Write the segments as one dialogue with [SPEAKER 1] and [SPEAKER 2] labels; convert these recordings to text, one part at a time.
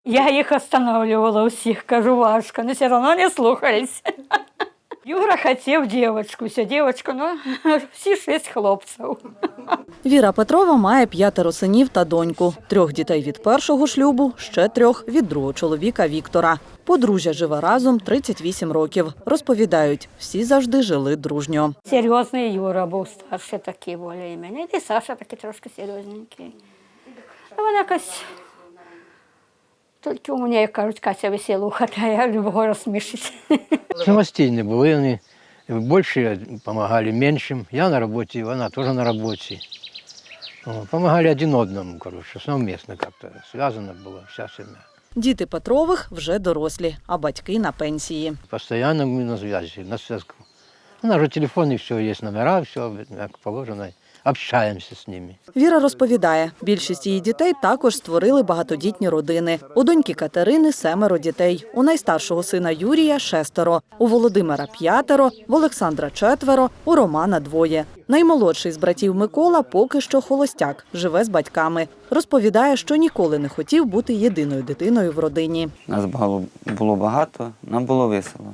[SPEAKER 1] Я їх останавливала усіх, кажу, важко, але все одно не слухались. Юра хотів дівчинку, все, дівчинку, ну, всі 6 хлопців.
[SPEAKER 2] Віра Петрова має 5 синів та доньку. 3 дітей від першого шлюбу, ще 3 від другого чоловіка Віктора. Подружжя живе разом 38 років. Розповідають, всі завжди жили дружньо.
[SPEAKER 1] Серйозний Юра був старший такий більш-менш. І Саша такий трошки серйозненький. Вона якась, тільки у мене, як кажуть, Катя веселуха, та я любого розсмішить.
[SPEAKER 3] Самостійні були вони. Більше допомагали меншим. Я на роботі, вона теж на роботі. Помагали один одному, коротше, совместно як-то зв'язано було вся сім'я.
[SPEAKER 2] Діти Петрових вже дорослі, а батьки на пенсії.
[SPEAKER 3] Постоянно ми на зв'язку, на зв'язку. У нас же телефон, і все, є номера, все, як положено, общаємося з ними.
[SPEAKER 2] Віра розповідає, більшість її дітей також створили багатодітні родини. У доньки Катерини 7 дітей, у найстаршого сина Юрія 6, у Володимира 5, в Олександра 4, у Романа 2. Наймолодший з братів Микола поки що холостяк, живе з батьками. Розповідає, що ніколи не хотів бути єдиною дитиною в родині.
[SPEAKER 4] Нас було багато, нам було весело.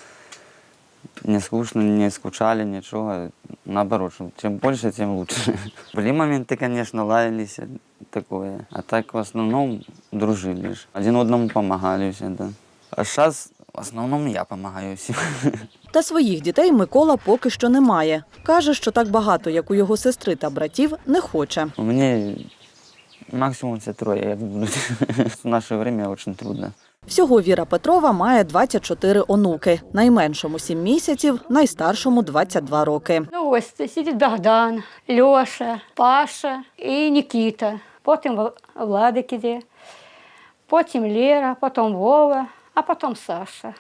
[SPEAKER 4] Не скучно, не скучали, нічого. Наоборот, чим більше, тим краще. Були моменти, звісно, лаялися, таке. А так в основному дружили. Один одному допомагали всі, да. А зараз в основному я допомагаю всім.
[SPEAKER 2] Та своїх дітей Микола поки що не має. Каже, що так багато, як у його сестри та братів, не хоче.
[SPEAKER 4] У мене максимум це 3, як будуть. В наше час дуже трудно.
[SPEAKER 2] Всього Віра Петрова має 24 онуки. Найменшому 7 місяців, найстаршому 22 роки.
[SPEAKER 1] Ну ось сидить Богдан, Льоша, Паша і Нікіта. Потім Владик іде, потім Лера, потім Вова, а потім Саша.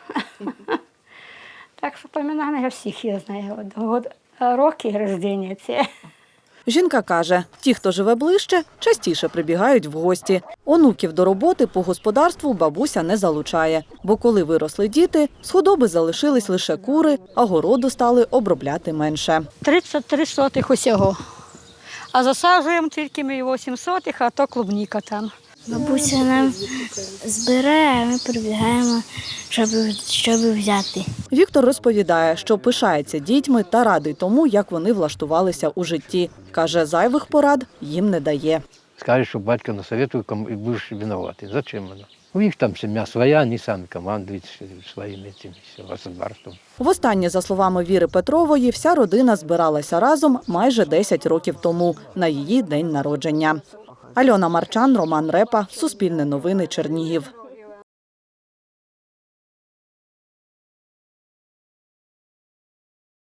[SPEAKER 1] Так що пам'ятаю, я всіх я знаю. Роки народження ці.
[SPEAKER 2] Жінка каже, ті, хто живе ближче, частіше прибігають в гості. Онуків до роботи по господарству бабуся не залучає. Бо коли виросли діти, з худоби залишились лише кури, а городу стали обробляти менше.
[SPEAKER 1] 33 сотих усього. А засаджуємо тільки ми 8 сотих, а то клубніка там.
[SPEAKER 5] Бабуся нам збирає, а ми прибігаємо, щоб взяти.
[SPEAKER 2] Віктор розповідає, що пишається дітьми та радий тому, як вони влаштувалися у житті. Каже, зайвих порад їм не дає.
[SPEAKER 3] Скажеш, що батько насоветує, і будеш винуватий. Зачем воно? У них там сім'я своя, вони самі командують своїм господарством.
[SPEAKER 2] Востаннє, за словами Віри Петрової, вся родина збиралася разом майже 10 років тому, на її день народження. Альона Марчан, Роман Репа, Суспільне новини, Чернігів.